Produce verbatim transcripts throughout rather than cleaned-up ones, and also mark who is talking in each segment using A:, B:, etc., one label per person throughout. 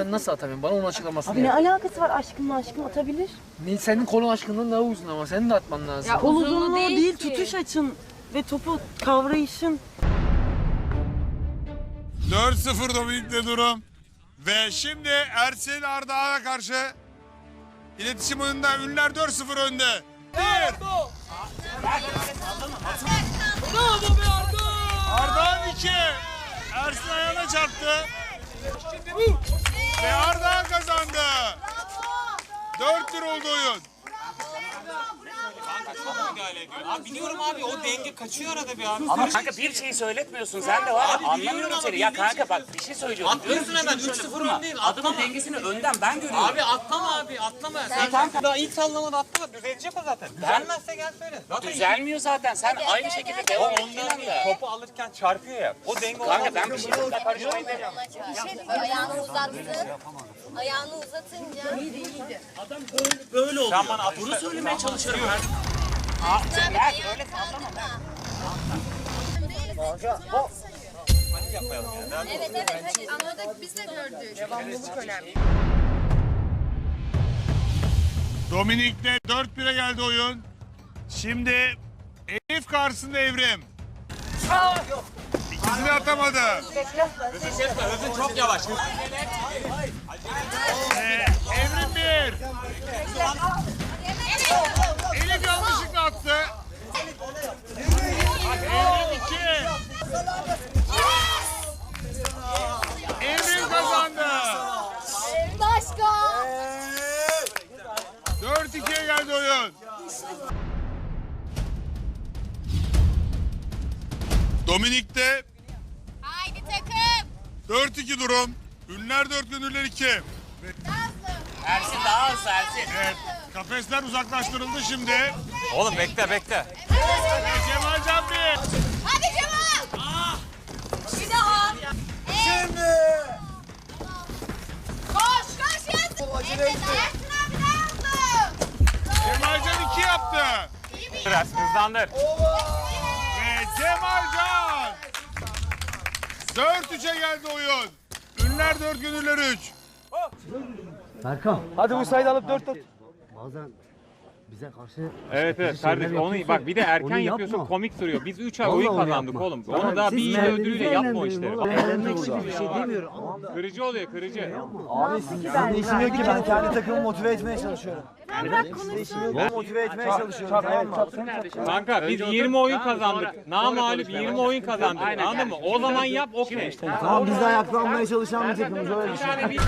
A: ben nasıl atamıyorum? Bana onun açıklamasını
B: Abi ne
A: yap.
B: alakası var aşkımla aşkım atabilir.
A: Ne, senin kolun aşkından daha uzun ama senin de atman lazım.
C: Ya
B: Kol
C: uzunluğu
B: uzunluğu
C: değil
B: değil,
C: ki.
B: tutuş açın ve topu kavrayışın.
D: dört sıfır Dominik'te durum. Ve şimdi Ersin Ardahan'a karşı iletişim oyununda Ünlüler dört sıfır önde. Bir. Ardahan iki. Ersin ayağına çarptı. Ve Ardahan kazandı. dört bir oldu oyun.
E: Abi biliyorum abi o denge kaçıyor arada bir abi.
F: Ama kanka bir şeyi söyletmiyorsun sen de var ya anlamıyorum seni. Ya kanka bak bir şey söylüyorum.
E: Atlıyorsun hemen üç sıfır öndeyim.
F: Adamın dengesini önden ben görüyorum.
E: Abi atlama abi atlama. Sen kanka daha ilk sallamada atlama düzelecek o zaten. Düzelmezse gel söyle. Zaten
F: Düzelmiyor zaten. Sen aynı şekilde devam ettiğin anda.
E: topu alırken çarpıyor ya. O denge
F: Kanka ben bir şey karışmayı demiyorum.
G: Bir şey diyeceğim. Ayağını uzattın. Ayağını uzatınca.
F: Böyle oluyor.
E: Sen bana atışta-
F: Bunu söylemeye çalışıyorum ben.
G: Sen
F: Ya
G: ayağını
F: öyle sallama.
G: Evet evet hadi anladık biz de gördük. Devamlılık önemli.
D: Dominik'le dört bire geldi oyun. Şimdi Elif karşısında Evrim. İkisini atamadı.
E: Hızın çok yavaş.
D: Ee, Evrim bir. Elif yanlışlıkla attı. Evrim iki. Evrim kazandı.
G: Başka.
D: dört ikiye geldi oyun. Dominik'te
G: Haydi takım.
D: dört iki durum. Ünlüler dört, Gönüller iki.
F: Ersin daha hızlı Ersin.
D: Evet, kafesler uzaklaştırıldı şimdi.
E: Oğlum bekle bekle.
D: Cemalcan bir.
G: Hadi Cemal. Bir daha. Şimdi. Koş koş yazın. Evet Ersin abi ne yaptı?
D: Cemalcan iki yaptı.
E: Biraz hızlandır.
D: Ve Cemalcan. dört üçe geldi oyun. Ünlüler dört, Gönüller üç.
H: Berkan.
A: Hadi bu sayıyı alıp dört at.
H: Bazen bize karşı
I: Evet evet kardeşim onu bak bir de erken yapıyorsun komik duruyor. Biz üç ay
H: Vallahi
I: oyun
H: onu
I: kazandık
H: yapma.
I: oğlum. Onu daha bir iyi ödülüyle yapma o işleri.
H: Eğlenmek için bir şey demiyorum ama
I: Kırıcı oluyor kırıcı.
A: Abi sizin işim yok ki ben kendi takımımı motive etmeye çalışıyorum. Ben motive etmeye çalışıyorum. Evet,
I: Kanka biz yirmi oyun kazandık. Namağlup yirmi oyun kazandık. Anladın mı? O zaman yap okey.
A: Tamam biz de ayaklanmaya çalışan bir takımız öyle
I: Bir
A: düşün.
I: tane bir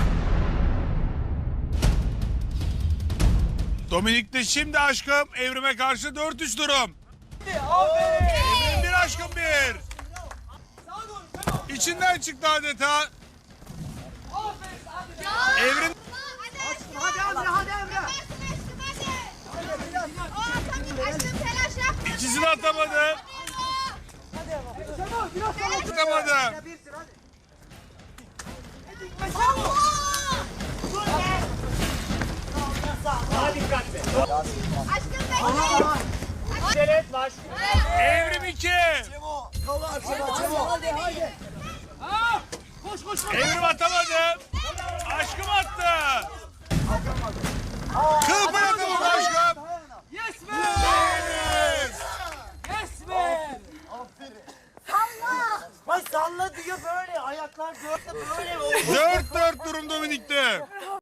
D: Dominik'te şimdi aşkım Evrim'e karşı dört üç durum. Evrim bir, aşkım bir. İçinden çıktı adeta. Evrim
G: Hadi Emre hadi Emre. Aşkım telaş yapma.
D: ikisini atamadı. Atamadı.
G: Aşkım bekle.
D: Evrim iki. Evrim atamadı. Aşkım attı. Kıl pay atamadı aşkım.
A: Yes be!
D: Yes.
A: Yes be! Salla! Bak salla diyor böyle ayaklar dörtte böyle.
D: dört dört durum Dominik'te.